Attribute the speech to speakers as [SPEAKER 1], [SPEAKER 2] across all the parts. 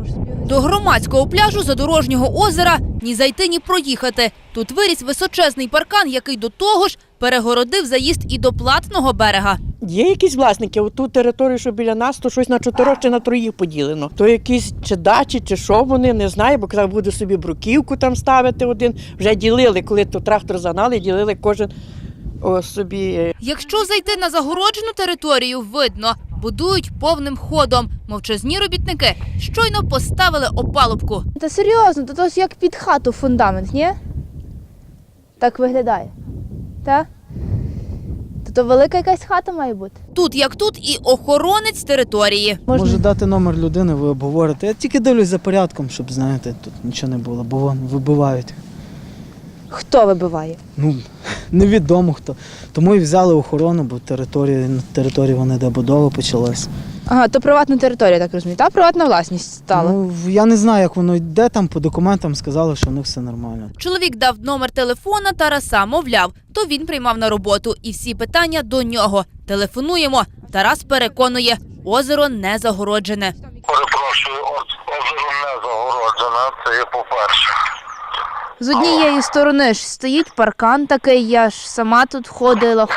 [SPEAKER 1] До громадського пляжу Задорожнього озера ні зайти, ні проїхати. Тут виріс височезний паркан, який до того ж перегородив заїзд і до платного берега.
[SPEAKER 2] Є якісь власники, оту територію, що біля нас, то щось на 4 чи на 3 поділено. То якісь чи дачі, чи що вони, не знаю, бо казав, буде собі бруківку там ставити один. Вже ділили, коли то трактор загнали, ділили кожен собі.
[SPEAKER 1] Якщо зайти на загороджену територію, видно, будують повним ходом. Мовчазні робітники щойно поставили опалубку.
[SPEAKER 3] Та серйозно, то ось як під хату фундамент, ні? Так виглядає. Так? То велика якась хата має бути.
[SPEAKER 1] Тут як тут і охоронець території.
[SPEAKER 4] Може дати номер людини, ви обговорите. Я тільки дивлюсь за порядком, щоб, знаєте, тут нічого не було, бо вон вибивають.
[SPEAKER 3] Хто вибиває?
[SPEAKER 4] Ну, невідомо хто. Тому і взяли охорону, бо на території вони де будова почалась.
[SPEAKER 3] Ага, то приватна територія, так розумію. Та приватна власність стала.
[SPEAKER 4] Ну, я не знаю, як воно йде там, по документам сказали, що в них все нормально.
[SPEAKER 1] Чоловік дав номер телефона Тараса, мовляв, то він приймав на роботу і всі питання до нього. Телефонуємо. Тарас переконує, озеро не загороджене.
[SPEAKER 5] Перепрошую, озеро не загороджене, це є по-перше.
[SPEAKER 3] З однієї сторони ж стоїть паркан такий, я ж сама тут ходила.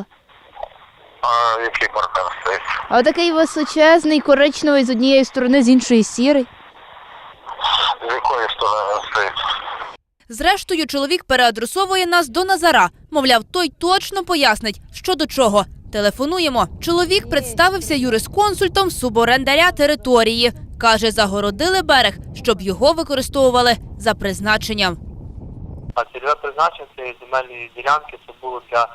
[SPEAKER 5] А який паркан стоїть?
[SPEAKER 3] А отакий височезний, коричневий з однієї сторони, з іншої сірий.
[SPEAKER 5] З якої сторони він стоїть?
[SPEAKER 1] Зрештою, чоловік переадресовує нас до Назара. Мовляв, той точно пояснить, що до чого. Телефонуємо. Чоловік представився юрисконсультом суборендаря території. Каже, загородили берег, щоб його використовували за призначенням.
[SPEAKER 6] А цільове призначення цієї земельної ділянки це було для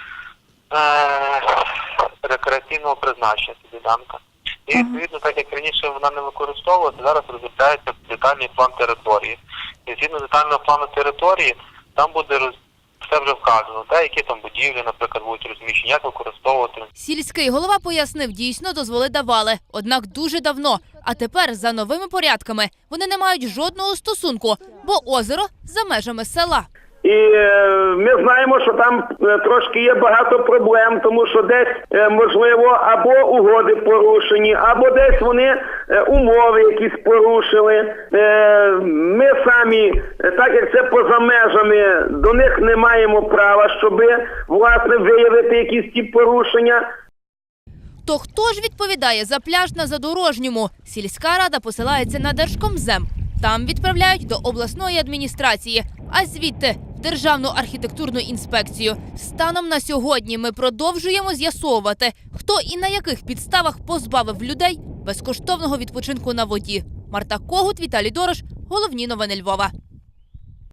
[SPEAKER 6] рекреаційного призначення ця ділянка. І відповідно, так як раніше вона не використовувалася, зараз розробляється детальний план території. І згідно детального плану території, там буде все вже вказано, які там будівлі, наприклад, будуть розміщені, як використовувати.
[SPEAKER 1] Сільський голова пояснив, дійсно дозволи давали, однак дуже давно. А тепер за новими порядками вони не мають жодного стосунку, бо озеро за межами села.
[SPEAKER 7] І ми знаємо, що там трошки є багато проблем, тому що десь, можливо, або угоди порушені, або десь вони умови якісь порушили. Ми самі, так як це поза межами, до них не маємо права, щоб, власне, виявити якісь ті порушення.
[SPEAKER 1] То хто ж відповідає за пляж на Задорожньому? Сільська рада посилається на Держкомзем. Там відправляють до обласної адміністрації, а звідти – в Державну архітектурну інспекцію. Станом на сьогодні ми продовжуємо з'ясовувати, хто і на яких підставах позбавив людей безкоштовного відпочинку на воді. Марта Когут, Віталій Дорош. Головні новини Львова.